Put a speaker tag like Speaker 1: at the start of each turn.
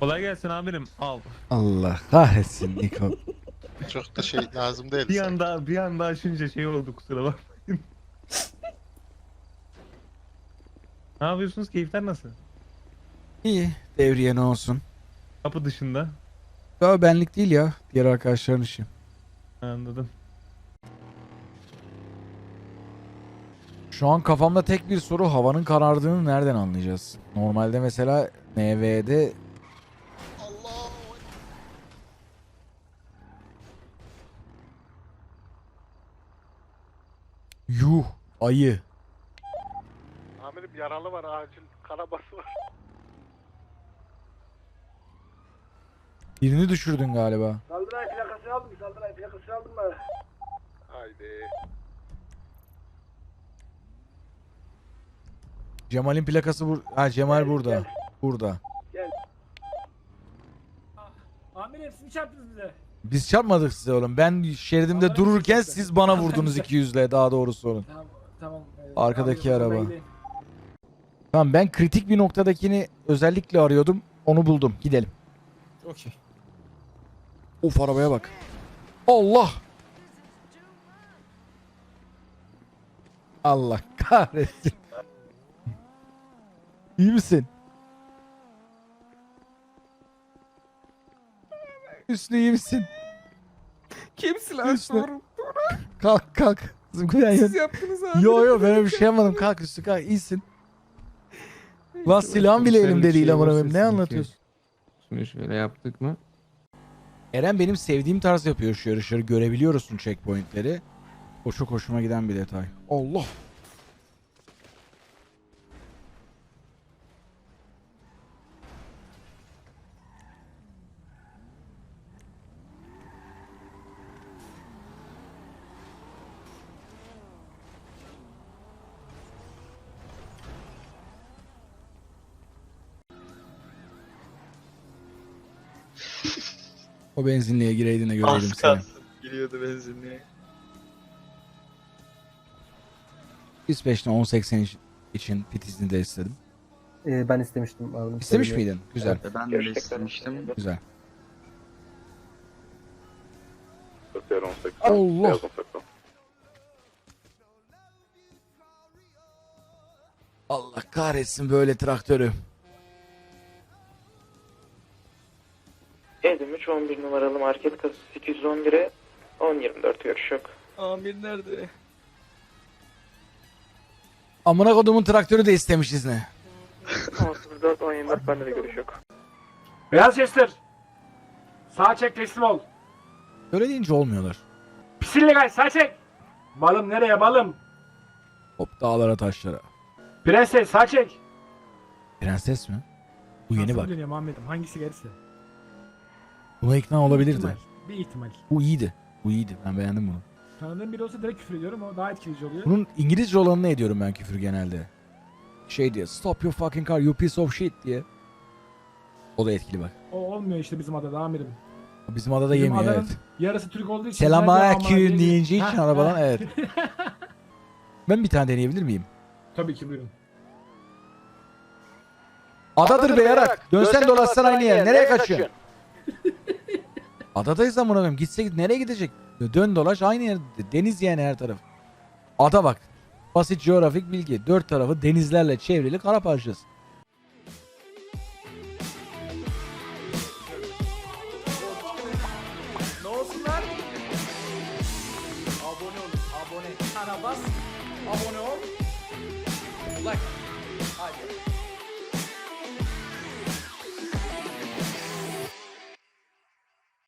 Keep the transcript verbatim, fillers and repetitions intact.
Speaker 1: Kolay gelsin amirim. Al.
Speaker 2: Allah kahretsin Niko.
Speaker 3: Çok da şey lazım değil.
Speaker 1: Bir
Speaker 3: sanki.
Speaker 1: anda bir anda açınca şey oldu, kusura bakmayın. Ne yapıyorsunuz? Keyifler nasıl?
Speaker 2: İyi. Devriye ne olsun.
Speaker 1: Kapı dışında.
Speaker 2: Ya benlik değil ya. Diğer arkadaşların işi.
Speaker 1: Anladım.
Speaker 2: Şu an kafamda tek bir soru, havanın karardığını nereden anlayacağız? Normalde mesela M V'de
Speaker 3: Allah.
Speaker 2: yuh ayı.
Speaker 4: Amirim yaralı var, acil kanaması var.
Speaker 2: Birini düşürdün galiba.
Speaker 5: Saldıray plakasını aldın mı? Saldıray plakasını aldın mı?
Speaker 4: Haydi.
Speaker 2: Cemal'in plakası bur ha Cemal
Speaker 5: Gel,
Speaker 2: burada.
Speaker 5: gel.
Speaker 2: Burada.
Speaker 5: Amirim siz mi çarptınız bize?
Speaker 2: Biz çarpmadık size oğlum. Ben şeridimde
Speaker 5: Allah'ın
Speaker 2: dururken
Speaker 5: izniyle.
Speaker 2: siz bana vurdunuz iki yüzle, daha doğrusu olun.
Speaker 5: Tamam tamam.
Speaker 2: Arkadaki
Speaker 5: Amirim,
Speaker 2: araba.
Speaker 5: orada gideyim.
Speaker 2: Tamam, ben kritik bir noktadakini özellikle arıyordum. Onu buldum. Gidelim.
Speaker 5: Okey.
Speaker 2: Of, arabaya bak. Allah. Allah kahretsin. İyi misin? Hüsnü iyi misin?
Speaker 6: Kimsin lan?
Speaker 2: Hüsnü.
Speaker 6: Doğru.
Speaker 2: Kalk kalk. Zıplayan
Speaker 6: Siz yaptınız abi.
Speaker 2: Yo yo, ben öyle bir şey yapmadım. Kalk Hüsnü, kalk, iyisin. Lan silahım bile elimde değil amına koyayım. Ne anlatıyorsun?
Speaker 6: Şunu şöyle yaptık mı?
Speaker 2: Eren benim sevdiğim tarz yapıyor şu yarışları. Görebiliyorsun checkpointleri. O çok hoşuma giden bir detay. Allah. O benzinliğe gireydin de göreydim
Speaker 7: Az
Speaker 2: seni.
Speaker 7: kalsın. Giriyordu benzinliğe.
Speaker 2: İsveç'te on seksen için pit izni de istedim.
Speaker 8: Ee, ben istemiştim abi.
Speaker 2: İstemiş miydin? Güzel.
Speaker 7: Ben de istemiştim.
Speaker 2: Güzel.
Speaker 4: Bakıyorum on sekiz.
Speaker 2: Allah. Allah kahretsin böyle traktörü.
Speaker 9: Edim üç on bir numaralı market kasası sekiz yüz on bire on yirmi dört görüş yok.
Speaker 7: Amir nerede?
Speaker 2: Amına kodumun traktörü de istemiş izni.
Speaker 9: on sıfır dört on yirmi dört bende de görüş yok.
Speaker 5: Beyaz Chester. Sağa çek teslim ol.
Speaker 2: Öyle deyince olmuyorlar.
Speaker 5: Pis illegal sağa çek. Balım nereye balım?
Speaker 2: Hop dağlara taşlara.
Speaker 5: Prenses sağa çek.
Speaker 2: Prenses mi? Bu yeni bak.
Speaker 5: Dönüyorum Ahmet'im hangisi gelirse.
Speaker 2: Buna ikna olabilirdi.
Speaker 5: İhtimal, bir ihtimal.
Speaker 2: Bu iyiydi. Bu iyiydi. Ben beğendim bunu.
Speaker 5: Tanıdığım biri olsa direkt küfür ediyorum, o daha etkileyici oluyor.
Speaker 2: Bunun İngilizce olanını ediyorum ben küfür genelde. Şey diye, stop your fucking car you piece of shit diye. O da etkili bak.
Speaker 5: O olmuyor işte bizim adada amirim.
Speaker 2: Bizim adada
Speaker 5: Bizim
Speaker 2: yemiyor,
Speaker 5: adanın
Speaker 2: evet.
Speaker 5: yarısı Türk olduğu için.
Speaker 2: Selamünaleyküm deyince için
Speaker 5: Ha,
Speaker 2: arabadan,
Speaker 5: ha.
Speaker 2: evet. Ben bir tane deneyebilir miyim?
Speaker 5: Tabii ki buyurun.
Speaker 2: Adadır be yarak. Dönsen dolaşsan aynı yer. Nereye kaçıyorsun? Adadayız amına koyayım. Gitse git, nereye gidecek? Dön dolaş aynı yer. Deniz yani her taraf. Ada bak. Basit coğrafik bilgi. Dört tarafı denizlerle çevrili kara parçası.
Speaker 6: Ne olsunlar? Abone olun. Abone. Kana bas. Abone ol. Like. Hadi.